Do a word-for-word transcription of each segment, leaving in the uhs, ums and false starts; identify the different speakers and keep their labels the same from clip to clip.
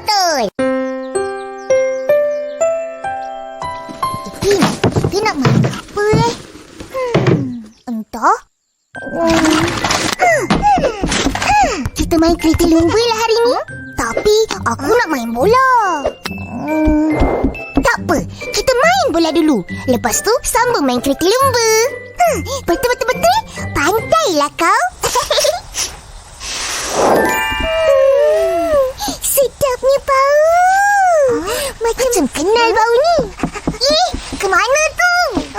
Speaker 1: betul. Ipin, kita nak main apa eh? Hmm, entah. Hmm. Kita main kereta lumba lah hari ni. Tapi aku nak main bola. Hmm. Tak apa, kita main bola dulu. Lepas tu sambung main kereta lumba. Hmm, betul-betul-betul. Pandailah kau. hmm, sedapnya bau. Macam kenal bau ni. Ih, ke mana tu?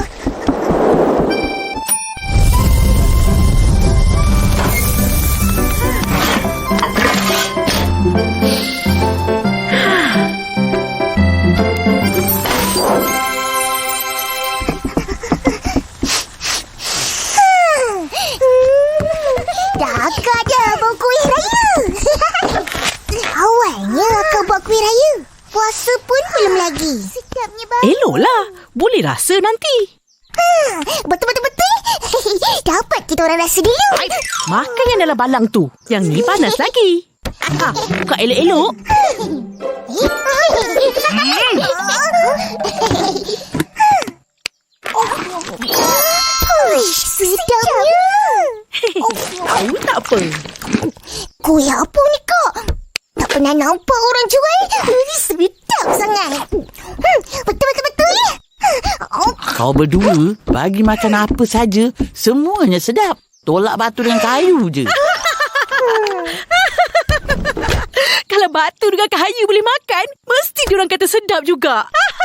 Speaker 1: Akak dah bawa kuih raya. Awalnya akak buat kuih raya. Puasa pun belum lagi. Sedapnya bau.
Speaker 2: Eloklah. Boleh rasa nanti.
Speaker 1: Ha, betul-betul-betul. Dapat kita orang rasa dulu.
Speaker 2: Ay, makan yang dalam balang tu. Yang ni panas lagi. Ha, buka elok-elok.
Speaker 1: Ui, sedapnya.
Speaker 2: Tahu tak apa.
Speaker 1: Kuih apa ni kak? Tak pernah nampak orang jual. Sedap sangat. Hmm, betul-betul-betul. Oh.
Speaker 3: Kau berdua bagi makan apa saja, semuanya sedap. Tolak batu dengan kayu je.
Speaker 2: Kalau batu dengan kayu boleh makan, mesti diorang kata sedap juga.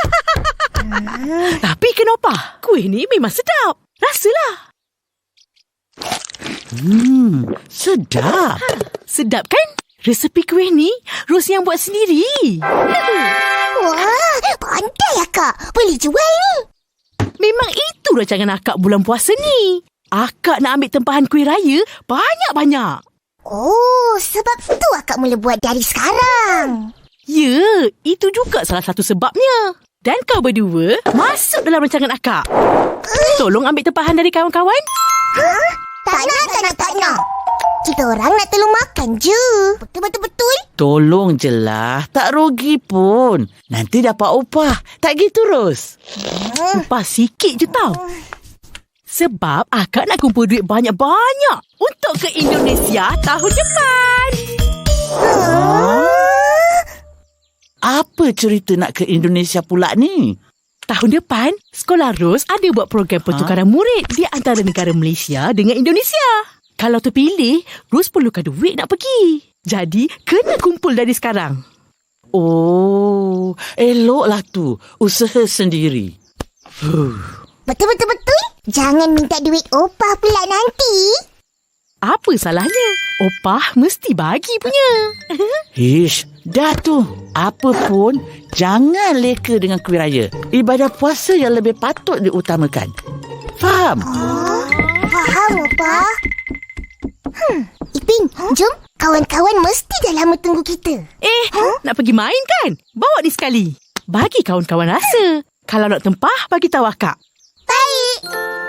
Speaker 2: Tapi kenapa? Kuih ni memang sedap. Rasalah.
Speaker 3: Hmm, sedap.
Speaker 2: Sedap kan? Resepi kuih ni Ros yang buat sendiri.
Speaker 1: Wah, pandai akak. Boleh jual ni.
Speaker 2: Memang itu rancangan akak bulan puasa ni. Akak nak ambil tempahan kuih raya banyak-banyak.
Speaker 1: Oh, sebab tu akak mula buat dari sekarang.
Speaker 2: Ya, itu juga salah satu sebabnya. Dan kau berdua masuk dalam rancangan akak. Tolong ambil tempahan dari kawan-kawan.
Speaker 1: Huh? Tak nak, tak nak, tak nak. Kita orang nak tolong makan je. Betul-betul-betul.
Speaker 3: Tolong je lah. Tak rugi pun. Nanti dapat upah. Tak gitu, Ros?
Speaker 1: Hmm.
Speaker 2: Upah sikit je tau. Sebab akak nak kumpul duit banyak-banyak untuk ke Indonesia tahun depan.
Speaker 1: Huh?
Speaker 3: Apa cerita nak ke Indonesia pula ni?
Speaker 2: Tahun depan, Sekolah Ros ada buat program pertukaran ha? murid di antara negara Malaysia dengan Indonesia. Kalau terpilih, Ros perlukan duit nak pergi. Jadi, kena kumpul dari sekarang.
Speaker 3: Oh, eloklah tu. Usaha sendiri. Huh.
Speaker 1: Betul-betul-betul. Jangan minta duit opah pula nanti.
Speaker 2: Apa salahnya? Opah mesti bagi punya.
Speaker 3: Ish, dah tu. Apa pun, jangan leka dengan kuih raya. Ibadah puasa yang lebih patut diutamakan. Faham?
Speaker 1: Oh, faham, opah. Hmm, Ipin, jom. Kawan-kawan mesti dah lama tunggu kita.
Speaker 2: Eh, huh? Nak pergi main kan? Bawa ni sekali. Bagi kawan-kawan rasa. Kalau nak tempah, bagi tahu akak.
Speaker 1: Baik.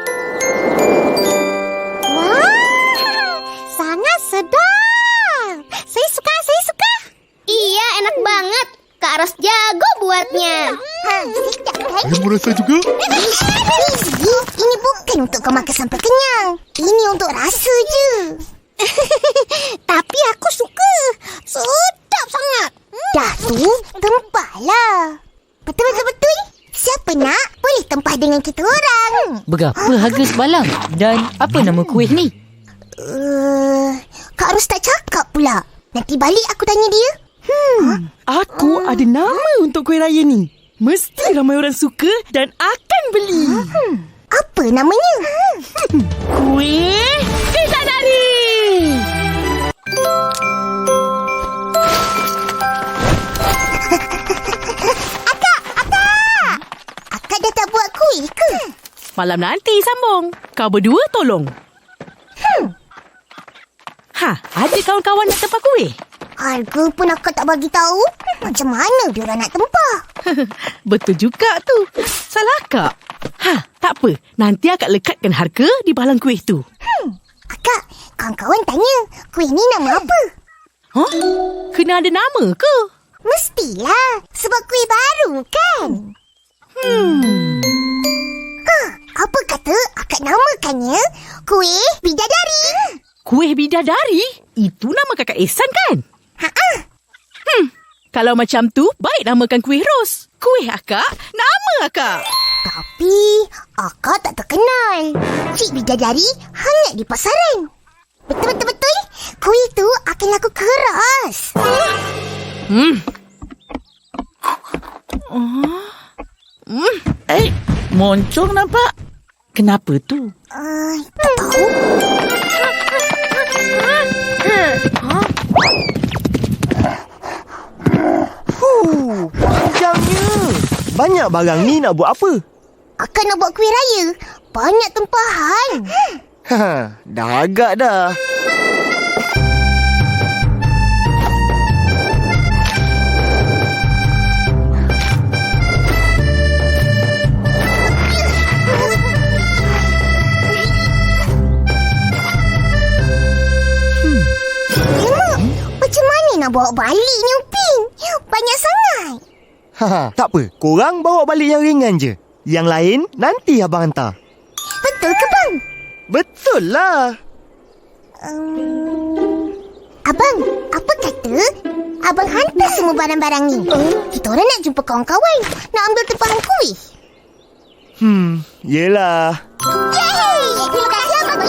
Speaker 1: Wah, sangat sedap. Saya suka, saya suka.
Speaker 4: Iya, enak banget. Kak Ros jago buatnya.
Speaker 1: Ha, sedap kan?
Speaker 5: Saya merasa juga.
Speaker 1: Ini bukan untuk kau makan sampai kenyang. Ini untuk rasa je. Tapi aku suka. Sedap sangat. Dah tu, tempahlah. Betul-betul-betul. Siapa nak, boleh tempah dengan kita orang.
Speaker 6: Berapa harga sebalang? Dan apa nama kuih ni?
Speaker 1: Uh, Kak Ros tak cakap pula. Nanti balik aku tanya dia.
Speaker 2: Hmm, aku ada nama untuk kuih raya ni. Mesti ramai orang suka dan akan beli.
Speaker 1: Hmm, apa namanya?
Speaker 2: Hmm. Kuih Bidadari.
Speaker 1: Akak, akak. Akak dah tak buat kuih ke?
Speaker 2: Malam nanti sambung. Kau berdua tolong.
Speaker 1: Hmm.
Speaker 2: Ha, ada kawan-kawan nak tempah kuih?
Speaker 1: Harga pun akak tak bagi tahu. Macam mana diorang nak tempah?
Speaker 2: Betul juga tu. Salah akak. Ha, tak apa. Nanti akak lekatkan harga di balang kuih tu.
Speaker 1: Hmm. Akak, kawan-kawan tanya, kuih ni nama apa?
Speaker 2: Huh? Kena ada nama ke?
Speaker 1: Mestilah, sebab kuih baru kan? Hmm. Ha, apa kata akak namakannya kuih bidadari?
Speaker 2: Kuih bidadari? Itu nama kakak Ehsan kan?
Speaker 1: Ha-ha.
Speaker 2: Hmm, kalau macam tu, baik namakan kuih ros. Kuih akak, nama akak.
Speaker 1: Tapi, akak tak terkenal. Cik bidadari hangat di pasaran. Betul-betul-betul, kuih tu akan laku keras.
Speaker 2: Hmm. Oh. Hmm.
Speaker 3: Eh, moncong nampak. Kenapa tu?
Speaker 1: Uh, tak tahu.
Speaker 5: Huh, panjangnya. Banyak barang ni nak buat apa?
Speaker 1: Akak nak buat kuih raya. Banyak tempahan.
Speaker 5: Ha, dah agak dah.
Speaker 1: Emak, macam mana nak bawa balik ni Upin? Banyak sangat.
Speaker 5: Ha, tak apa. Korang bawa balik yang ringan je. Yang lain nanti abang hantar.
Speaker 1: Betul ke bang?
Speaker 5: Betul lah.
Speaker 1: Um, abang, apa kata abang hantar semua barang-barang ni? Kita orang nak jumpa kawan-kawan. Nak ambil tempahan kuih.
Speaker 5: Hmm, yelah.
Speaker 1: Yeay! Terima kasih abang.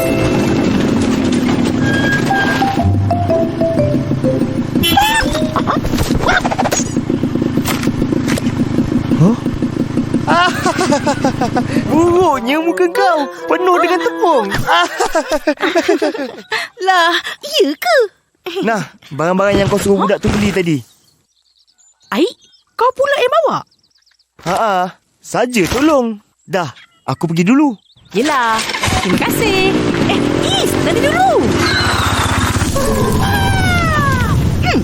Speaker 5: Buruknya muka kau. Penuh dengan tepung.
Speaker 2: Lah, iya ke?
Speaker 5: Nah, barang-barang yang kau suruh budak tu beli tadi.
Speaker 2: Aik, kau pula yang bawa?
Speaker 5: Ha-ha, saja tolong. Dah, aku pergi dulu.
Speaker 2: Yelah, terima kasih. Eh, Is, nanti dulu. Hmm.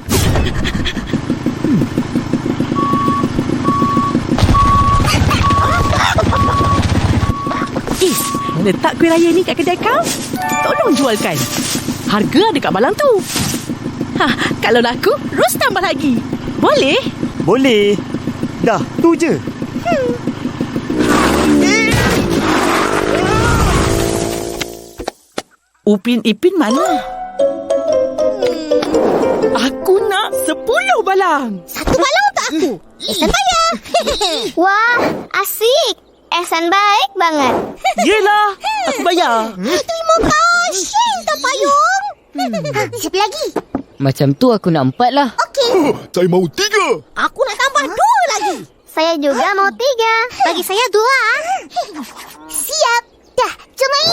Speaker 2: Is, letak kuih raya ni kat kedai kau. Tolong jualkan. Harga ada kat balang tu. Ha, kalau laku, Ros tambah lagi. Boleh?
Speaker 5: Boleh. Dah, tu je.
Speaker 2: Hmm.
Speaker 3: Upin Ipin mana?
Speaker 2: Aku nak sepuluh balang.
Speaker 1: Satu balang untuk aku. Ehsan bayar.
Speaker 4: Wah, asik. Ehsan baik banget.
Speaker 2: Yelah, aku bayar.
Speaker 1: Terima kasih, tak payung. Ha, siapa lagi?
Speaker 6: Macam tu aku nak empat lah.
Speaker 1: Okey.
Speaker 7: Saya mau tiga.
Speaker 1: Aku nak tambah dua lagi.
Speaker 4: Saya juga mau tiga. Bagi saya dua.
Speaker 1: Siap. Dah, jom main.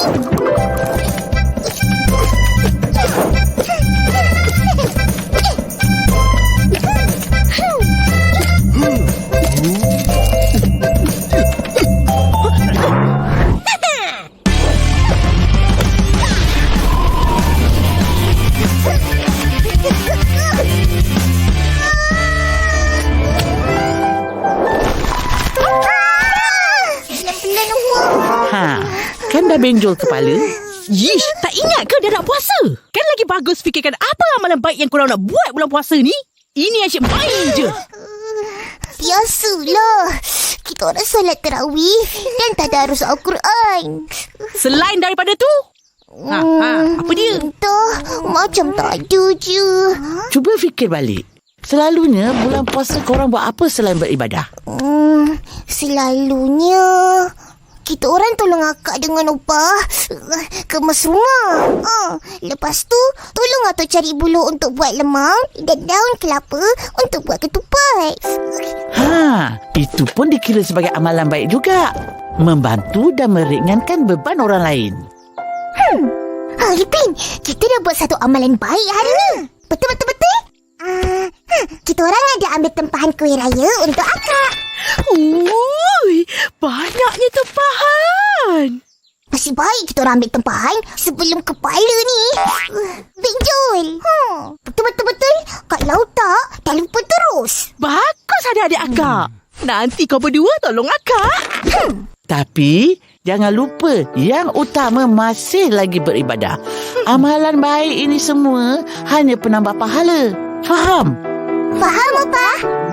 Speaker 3: Ha, kan dah benjol kepala?
Speaker 2: Yish, tak ingat ke dah nak puasa? Kan lagi bagus fikirkan apa amalan baik yang korang nak buat bulan puasa ni? Ini asyik main je.
Speaker 1: Biasalah. Kita orang solat tarawih dan tadarus Al-Quran.
Speaker 2: Selain daripada tu, ha, ha, apa dia?
Speaker 1: Entah, macam tak ada je.
Speaker 3: Cuba fikir balik. Selalunya bulan puasa korang buat apa selain beribadah?
Speaker 1: Hmm, selalunya kita orang tolong akak dengan upah kemas rumah. Uh, lepas tu tolong atuk cari buluh untuk buat lemang dan daun kelapa untuk buat ketupat.
Speaker 3: Ha, itu pun dikira sebagai amalan baik juga. Membantu dan meringankan beban orang lain.
Speaker 1: Hmm. Ha, Ipin, kita dah buat satu amalan baik hari ni. Betul-betul-betul? Uh, huh, kita orang ada ambil tempahan kuih raya untuk akak.
Speaker 2: Ui, banyaknya tempahan.
Speaker 1: Nasib baik kita orang ambil tempahan sebelum kepala ni uh, benjol. Hmm. Betul-betul-betul. Kalau tak, dah lupa terus.
Speaker 2: Bagus adik-adik akak. Nanti kau berdua tolong akak.
Speaker 1: Hmm.
Speaker 3: Tapi jangan lupa yang utama masih lagi beribadah. Amalan baik ini semua hanya penambah pahala. Faham?
Speaker 1: Faham, Opa?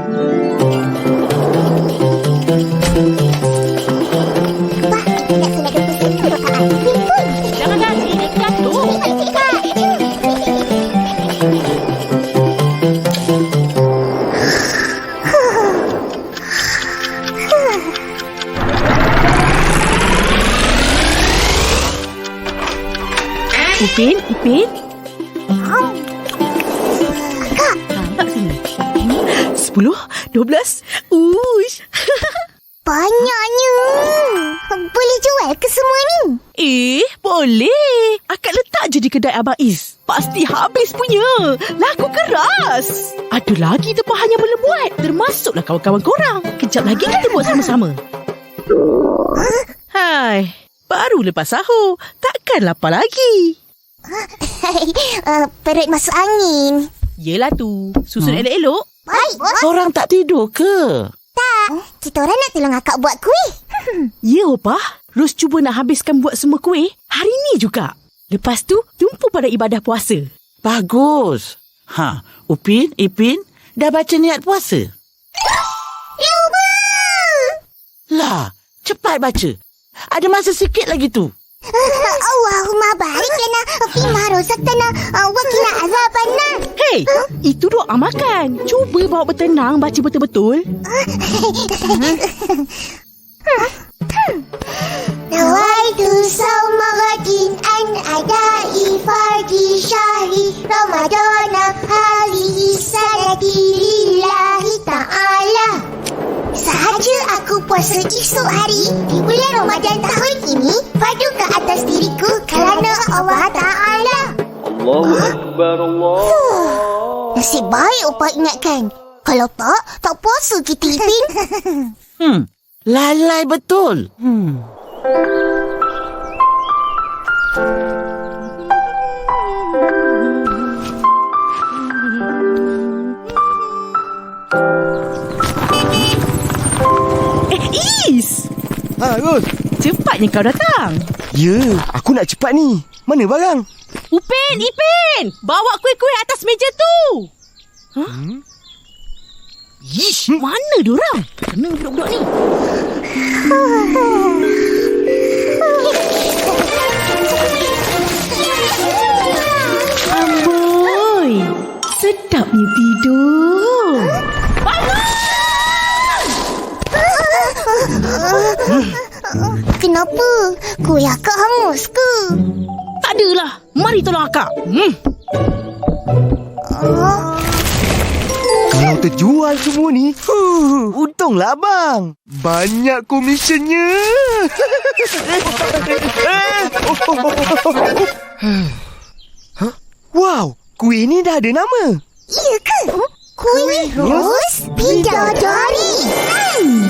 Speaker 1: Wah, nak kena ada pesan tu dekat Arifin pun.
Speaker 2: Jangan lagi, dia jatuh. Upin, Upin.
Speaker 1: Kak,
Speaker 2: Nampak sini. Hmm, Sepuluh, dua belas. Uish.
Speaker 1: banyaknya. Boleh jual ke semua ni?
Speaker 2: Eh, boleh. Akak letak je di kedai Abang Is. Pasti habis punya. Laku keras. Ada lagi tempahan yang belum buat. Termasuklah kawan-kawan korang. Kejap lagi kita buat sama-sama. Hai. Baru lepas sahur. Takkan lapar lagi.
Speaker 1: uh, perut masuk angin.
Speaker 2: Yelah tu. Susun hmm? elok-elok.
Speaker 1: Baik, bos.
Speaker 3: Korang tak tidur ke?
Speaker 1: Tak. Kita orang nak tolong akak buat kuih.
Speaker 2: Ya, Opa. Ros cuba nak habiskan buat semua kuih hari ni juga. Lepas tu, jumpa pada ibadah puasa.
Speaker 3: Bagus. Ha, Upin, Ipin, dah baca niat puasa?
Speaker 1: Lupa.
Speaker 3: Lah, cepat baca. Ada masa sikit lagi tu.
Speaker 1: Allahumma barik lana fima razaqtana wa qina azabannar.
Speaker 2: Hei, itu doa makan. Cuba bawa bertenang baca betul-betul.
Speaker 1: Nawaitu sawma ghadin an adai fardi syahri Ramadana halihi sanati lillahi ta'ala. Sahaja aku puasa esok hari di bulan Ramadan tahun ini, padu ke atas diriku kerana Allah Ta'ala.
Speaker 7: Allahu Akbar, Allah.
Speaker 1: Nasib baik Opa ingatkan. Kalau tak, tak puasa kita, Ipin.
Speaker 3: Hmm, lalai betul. Hmm.
Speaker 2: Eh, Is!
Speaker 5: Ha, Ros.
Speaker 2: Cepatnya kau datang.
Speaker 5: Ya, aku nak cepat ni. Mana barang?
Speaker 2: Upin, Ipin! Bawa kuih-kuih atas meja tu. Hah?
Speaker 5: Hmm?
Speaker 2: Ish, mana diorang? Kena budak-budak ni. Amboi, sedapnya tidur.
Speaker 1: Kenapa? Kuih akak hangus ke?
Speaker 2: Tak adalah. Mari tolong akak. Hmm.
Speaker 1: Oh.
Speaker 5: Kalau terjual semua ni, huh, untunglah abang. Banyak komisionnya. Huh? Wow, kuih ni dah ada nama.
Speaker 1: Iya ke? Kuih Ros Bidadari. Hmm.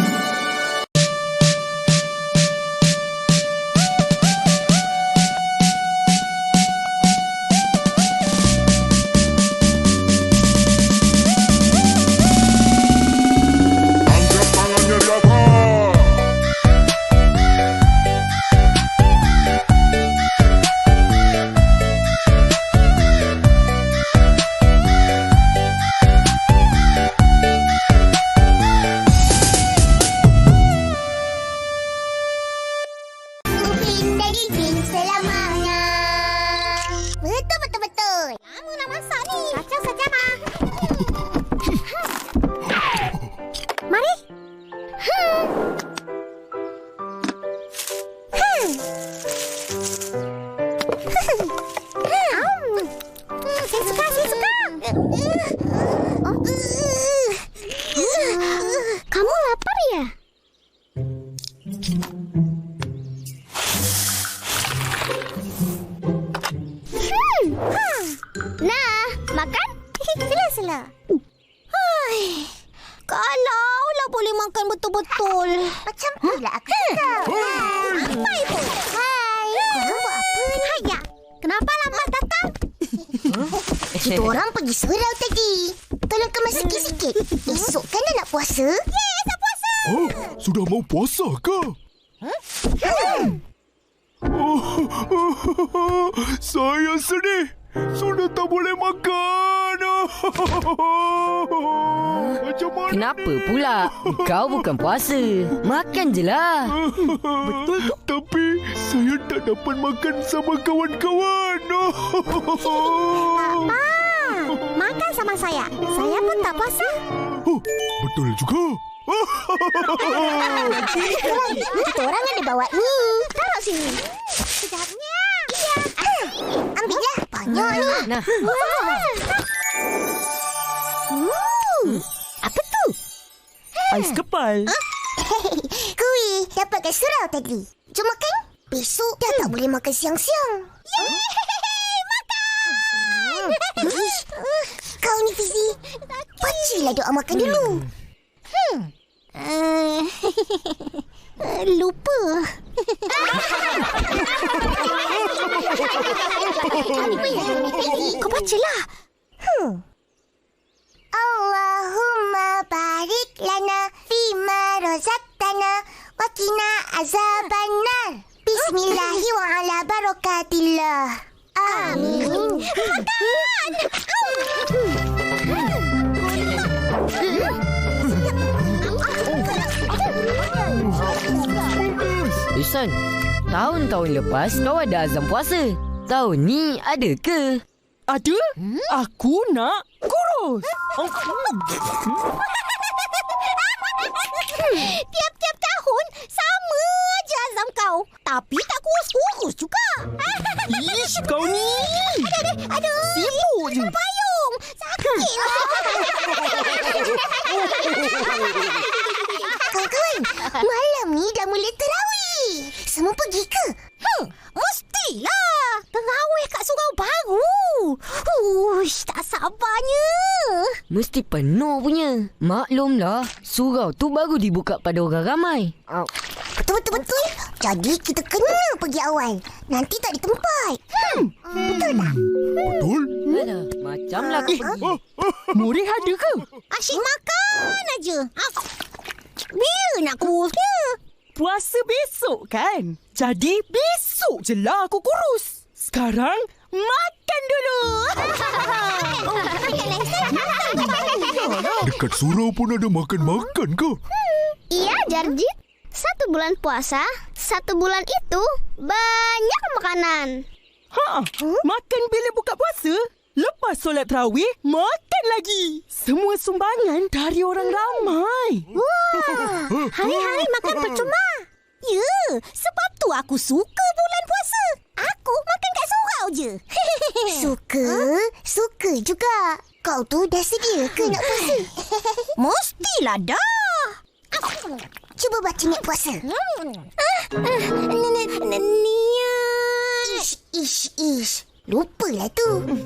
Speaker 4: Kamu lapar ya? Hmm. Nah, makan?
Speaker 1: Sila-sila. Hai. Kalaulah boleh makan betul-betul. Macam tu lah aku cakap. Apa itu? Hai. Korang buat apa ni?
Speaker 4: Haya, kenapa lambat datang?
Speaker 1: Kita orang pergi surau tadi. Tolong kemas sikit-sikit. Esok kan dah nak puasa? Yes, dah puasa.
Speaker 8: Oh, sudah mau puasa ke?
Speaker 1: Hmm.
Speaker 8: Oh, oh, oh, oh, saya sedih. Sudah tak boleh makan. Macam mana
Speaker 6: Kenapa
Speaker 8: ni?
Speaker 6: pula? Kau bukan puasa. Makan je lah.
Speaker 8: Betul tu. Tapi saya tak dapat makan sama kawan-kawan.
Speaker 1: Makan sama saya. Saya pun tak puasa.
Speaker 8: Oh, betul juga.
Speaker 1: Kita orang ada bawa ni. Taruh sini. Sekejapnya. Iya. Ah, ambillah. Banyak ni.
Speaker 6: Nah,
Speaker 1: Hmm. Apa tu?
Speaker 2: Ais kepal.
Speaker 1: Kuih dapat kat surau tadi. Jom makan. Besok dah tak boleh makan siang-siang. Yeay! Makan! Ish, kau ni Fizi. Pacilah doa makan dulu. Hmm. Uh, lupa. Kau bacalah. Hmm. Allahumma barik lana fima razaqtana wa qina azabannar. Bismillahi wa ala barakatillah. Amin.
Speaker 6: Isan, tahun-tahun lepas kau ada azam puasa. Tahun ni ada ke?
Speaker 2: Ada? Aku nak kurus.
Speaker 1: Tiap-tiap tahun sama aja azam kau. Tapi tak kurus-kurus juga.
Speaker 2: Ish, kau ni.
Speaker 1: Aduh.
Speaker 2: Sibuk je.
Speaker 1: Payung. Sakit lah. Kawan-kawan, malam ni dah mula terawih. Semua pergi ke? Hmm, mestilah. Terawih kat surau baru. Uish, tak sabarnya.
Speaker 6: Mesti penuh punya. Maklumlah, surau tu baru dibuka pada orang ramai.
Speaker 1: Betul-betul-betul. Jadi kita kena pergi awal. Nanti tak di tempat. Hmm, betul tak?
Speaker 8: Betul?
Speaker 6: Alah, macamlah kau pergi.
Speaker 2: Murid ada ke?
Speaker 1: Asyik makan aja. Bila nak kurusnya?
Speaker 2: Puasa besok kan? Jadi besok je lah aku kurus. Sekarang makan dulu.
Speaker 8: Dekat surau pun ada makan-makan ke?
Speaker 4: Iya, Jarjit. Satu bulan puasa, satu bulan itu banyak makanan.
Speaker 2: Ha, makan bila buka puasa? Lepas solat tarawih, makan lagi. Semua sumbangan dari orang ramai.
Speaker 1: Wah, hari-hari makan percuma. Ya, sebab tu aku suka bulan puasa. Aku makan kat surau je. Suka? Suka juga. Kau tu dah sedia ke nak puasa? Mestilah dah. Cuba baca niat puasa. Niat. Ish, ish, ish. Lupalah tu.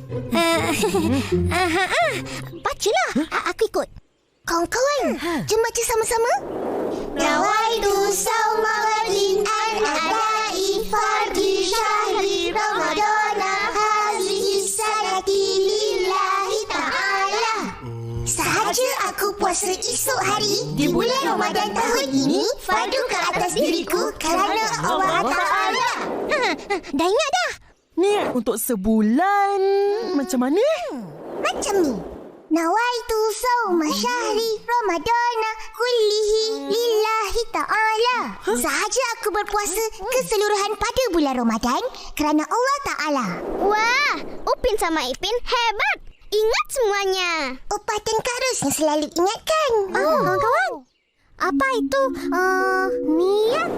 Speaker 1: Bacalah. Aku ikut. Kawan-kawan, jom baca sama-sama. Nawaitu sawma ghadin an adai fardi syahri ramadana hazihi sanati lillahi ta'ala. Sahaja aku puasa esok hari di bulan Ramadan tahun ini fardu ke atas diriku kerana Allah Ta'ala. Dah ingat dah?
Speaker 2: Niat untuk sebulan. Macam mana?
Speaker 1: Macam ni. Nawaitu sawma syahri ramadana kullihi lillahi ta'ala. Sahaja aku berpuasa keseluruhan pada bulan Ramadan kerana Allah Ta'ala.
Speaker 4: Wah, Upin sama Ipin hebat. Ingat semuanya.
Speaker 1: Upah dan Karus yang selalu ingatkan. Oh, kawan. Apa itu? Uh, niat?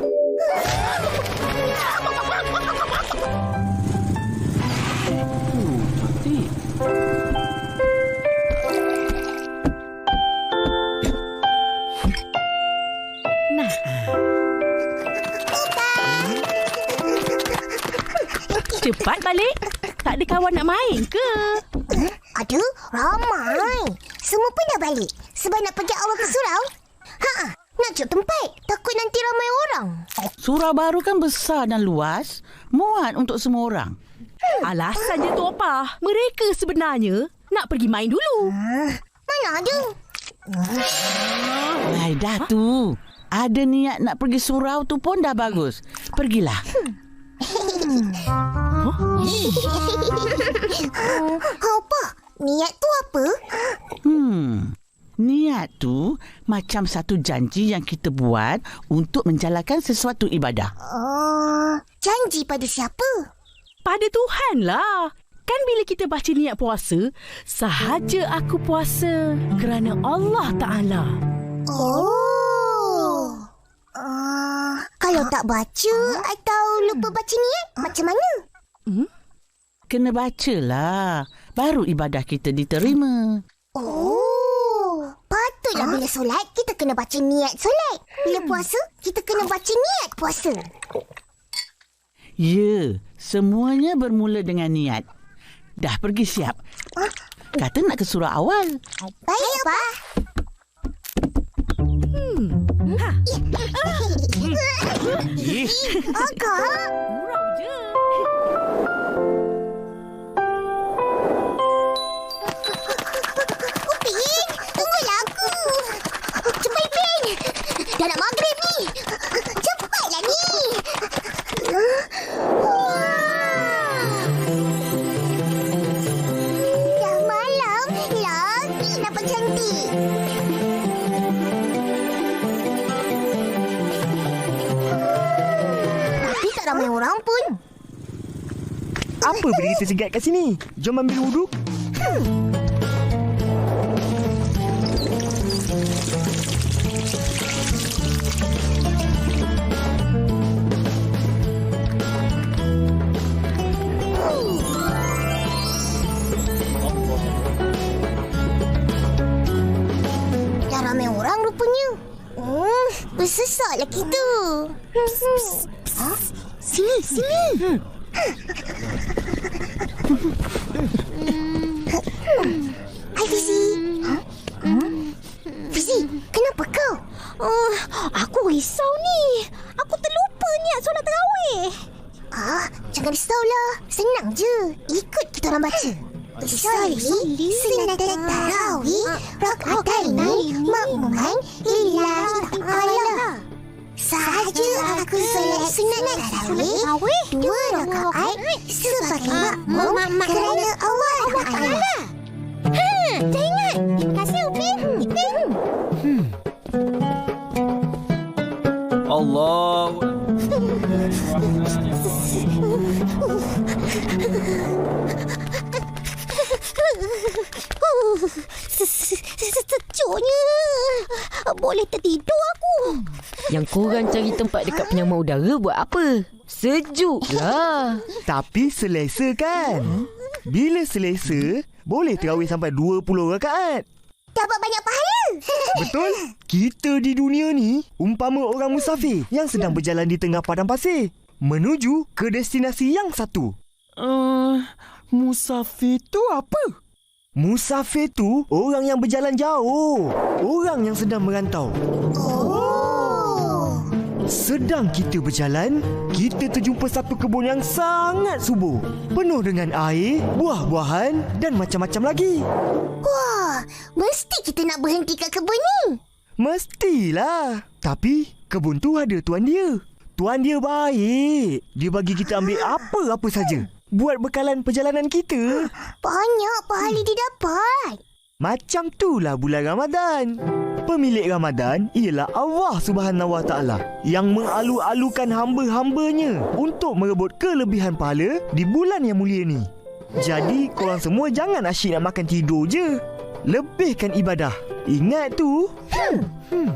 Speaker 2: Cepat balik. Tak ada kawan nak main ke?
Speaker 1: Hmm, ada, ramai. Semua pun dah balik. Sebab nak pergi awal ke surau. Ha, nak cek tempat. Takut nanti ramai orang.
Speaker 3: Surau baru kan besar dan luas. Muat untuk semua orang.
Speaker 2: Alasan dia tu apa? Mereka sebenarnya nak pergi main dulu.
Speaker 1: Ah, mana ada?
Speaker 3: Hai, dah tu. Ada niat nak pergi surau tu pun dah bagus. Pergilah.
Speaker 2: Ha,
Speaker 1: Apa? Niat tu apa?
Speaker 3: Hmm. Niat tu macam satu janji yang kita buat untuk menjalankan sesuatu ibadah.
Speaker 1: Oh, janji pada siapa?
Speaker 2: Pada Tuhan lah. Kan bila kita baca niat puasa, sahaja aku puasa kerana Allah Ta'ala.
Speaker 1: Oh. Uh, kalau tak baca atau lupa baca niat, macam mana?
Speaker 2: Hmm?
Speaker 3: Kena bacalah. Baru ibadah kita diterima.
Speaker 1: Oh. Patutlah bila solat, kita kena baca niat solat. Bila puasa, kita kena baca niat puasa.
Speaker 3: Ya, semuanya bermula dengan niat. Dah pergi siap. Kata nak ke surah awal.
Speaker 1: Baik, Pak.
Speaker 2: Hmm. Ha.
Speaker 3: Eh,
Speaker 1: Akak.
Speaker 2: Gurau je.
Speaker 1: Upin, tunggulah aku. Cepat, Upin. Dah nak maghrib ni. Cepatlah ni. Dah malam. Lagi nampak cantik. Tapi tak ramai orang pun.
Speaker 5: Apa benda kita segat kat sini? Jom ambil wuduk.
Speaker 1: Dah ramai orang rupanya. Hmm, bersesatlah kita. Ha? Sini, sini. Hai Fizi. Ha? Fizi, kenapa kau?
Speaker 4: Uh, aku risau ni. Aku terlupa niat solat tarawih.
Speaker 1: Ah, jangan risaulah. Senang je. Ikut kita orang baca. Usolli sunnatat tarawih rak'ataini ma'muman lillahi ta'ala. Sahaja aku solat sunat tarawih dua rakaat sebagai makmum kerana Allah Ta'ala.
Speaker 4: Hmm, dah ingat. Terima kasih, Upin. Upin.
Speaker 7: Allah.
Speaker 4: Sejuknya. Boleh tertidur aku.
Speaker 6: Yang korang cari tempat dekat penyamar udara buat apa? Sejuk lah.
Speaker 5: Tapi selesa kan? Bila selesa, boleh terawih sampai dua puluh rakaat.
Speaker 1: Dapat banyak pahala.
Speaker 5: Betul? Kita di dunia ni umpama orang musafir yang sedang berjalan di tengah padang pasir menuju ke destinasi yang satu.
Speaker 8: Uh, musafir tu apa?
Speaker 5: Musafir tu orang yang berjalan jauh. Orang yang sedang merantau.
Speaker 1: Oh.
Speaker 5: Sedang kita berjalan, kita terjumpa satu kebun yang sangat subur. Penuh dengan air, buah-buahan dan macam-macam lagi.
Speaker 1: Wah, mesti kita nak berhenti kat kebun ni.
Speaker 5: Mestilah. Tapi kebun tu ada tuan dia. Tuan dia baik. Dia bagi kita ambil apa-apa saja buat bekalan perjalanan kita.
Speaker 1: Banyak pahala dia dapat.
Speaker 5: Macam itulah bulan Ramadan. Pemilik Ramadan ialah Allah Subhanahu Wa Taala yang mengalu-alukan hamba-hambanya untuk merebut kelebihan pahala di bulan yang mulia ni. Jadi korang semua jangan asyik nak makan tidur je. Lebihkan ibadah. Ingat tu. Hmm. Hmm.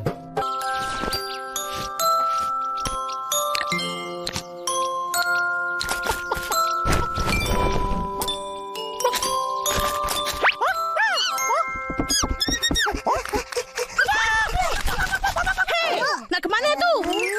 Speaker 2: Nak ke mana tu?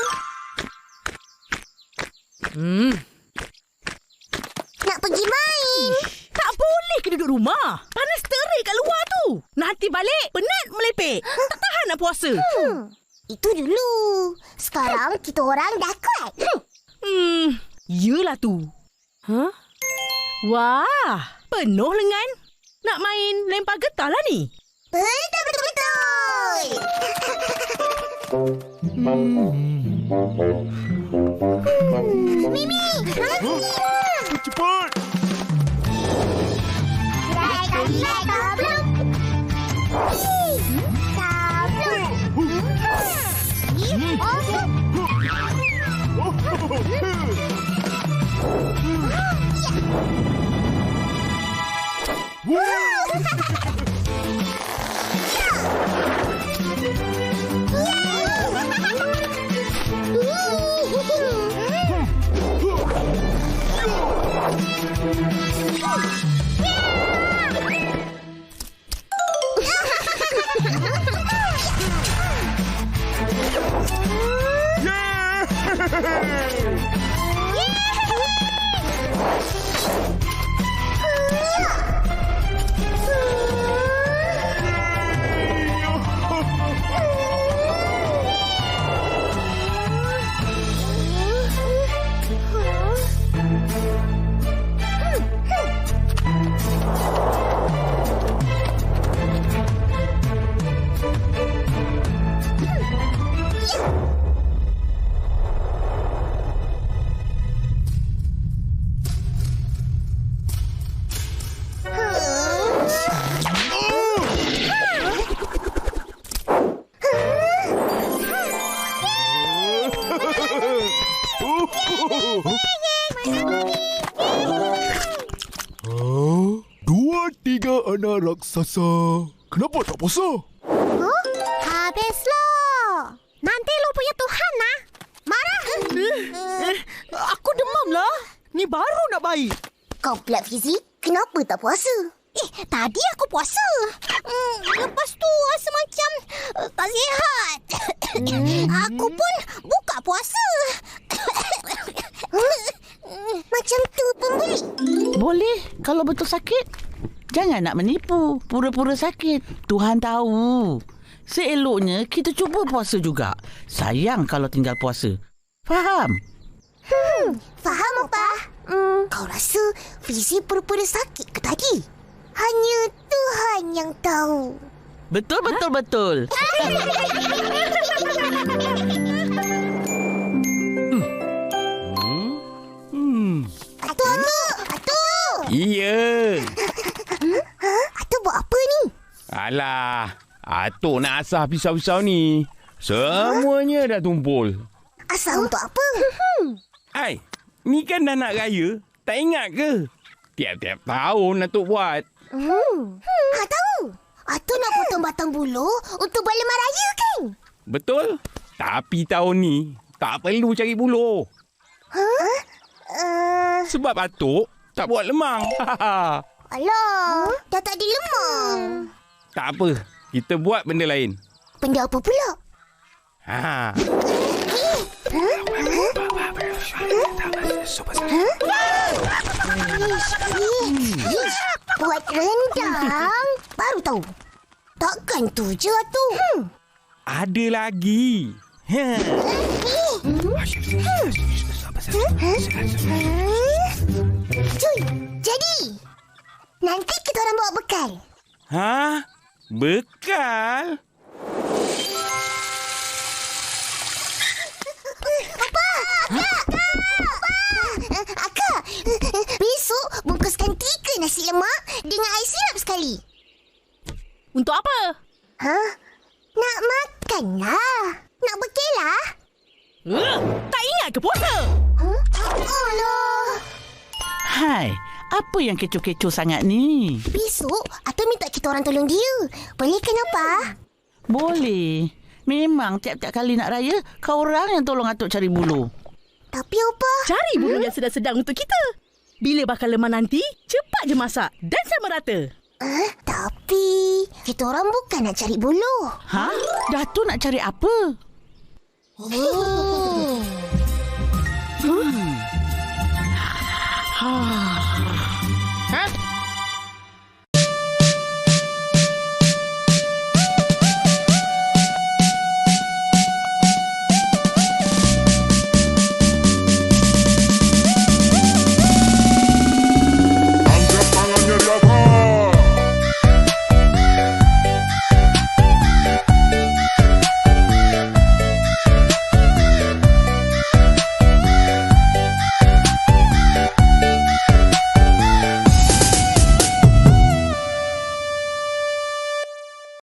Speaker 2: Hmm.
Speaker 1: Nak pergi main.
Speaker 2: Tak boleh ke duduk rumah. Panas terik kat luar tu. Nanti balik, penat melepek. Tak tahan nak puasa.
Speaker 1: Hmm. Itu dulu. Sekarang kita orang dah kuat.
Speaker 2: Hmm, yelah tu. Huh? Wah, penuh lengan. Nak main lempar getah lah ni.
Speaker 1: Betul, betul, betul. Mimi,
Speaker 8: cepat.
Speaker 1: Naik kaki naik tabluk. Tabluk.
Speaker 8: Dua tiga anak raksasa. Kenapa tak puasa?
Speaker 1: Huh? Habislah. Nanti lu punya Tuhan lah. Marah.
Speaker 2: Eh, aku demam lah. Ni baru nak baik.
Speaker 1: Kau pula Fizi, kenapa tak puasa? Eh, tadi aku puasa. Hmm, lepas tu rasa macam uh, tak sihat. Aku pun buka puasa. Macam tu pun boleh?
Speaker 3: Boleh kalau betul sakit. Jangan nak menipu. Pura-pura sakit. Tuhan tahu. Seeloknya kita cuba puasa juga. Sayang kalau tinggal puasa. Faham?
Speaker 1: Hmm, faham apa? Hmm, kau rasa Fizi pura-pura sakit ke tadi? Hanya Tuhan yang tahu.
Speaker 3: Betul, betul, betul.
Speaker 8: Hmm.
Speaker 1: Atu, Atu! Atu!
Speaker 9: Iya.
Speaker 1: Ha? Atu buat apa ni?
Speaker 9: Alah, Atuk nak asah pisau-pisau ni. Semuanya dah tumpul.
Speaker 1: Asal untuk apa?
Speaker 9: Hai, ni kan dah nak raya. Tak ingat ke? Tiap-tiap tahun Atuk buat.
Speaker 1: Hmm. Ha, tahu. Atu nak potong batang bulu untuk berleman raya kan?
Speaker 9: Betul? Tapi tahun ni tak perlu cari buluh.
Speaker 1: Ha? Uh,
Speaker 9: Sebab Atuk tak buat lemang.
Speaker 1: alah, dah tak ada lemang.
Speaker 9: Tak apa, kita buat benda lain.
Speaker 1: Benda apa pula?
Speaker 9: Ha.
Speaker 1: Ish, buat rendang? Baru tahu. Takkan tu je tu. Hmm.
Speaker 9: Ada lagi. Ha.
Speaker 1: Cuy, jadi nanti kita orang bawa bekal.
Speaker 9: Ha? Bekal?
Speaker 1: Apa? Akak, besok bungkuskan tiga nasi lemak dengan air sirap sekali.
Speaker 2: Untuk apa?
Speaker 1: Ha? Nak makan lah. Nak bekal lah.
Speaker 2: Uh, tak ingat ke puasa?
Speaker 1: Huh? Alah.
Speaker 3: Hai, apa yang kecoh-kecoh sangat ni?
Speaker 1: Besok, Atul minta kita orang tolong dia. Boleh kan apa?
Speaker 3: Boleh. Memang tiap-tiap kali nak raya, kau orang yang tolong Atuk cari bulu.
Speaker 1: Tapi apa?
Speaker 2: Cari bulu yang sedang-sedang untuk kita. Bila bakal lemah nanti, cepat je masak dan sama rata.
Speaker 1: Eh, tapi kita orang bukan nak cari bulu.
Speaker 3: Ha? Datuk nak cari apa?
Speaker 1: Hmm.
Speaker 3: Ha.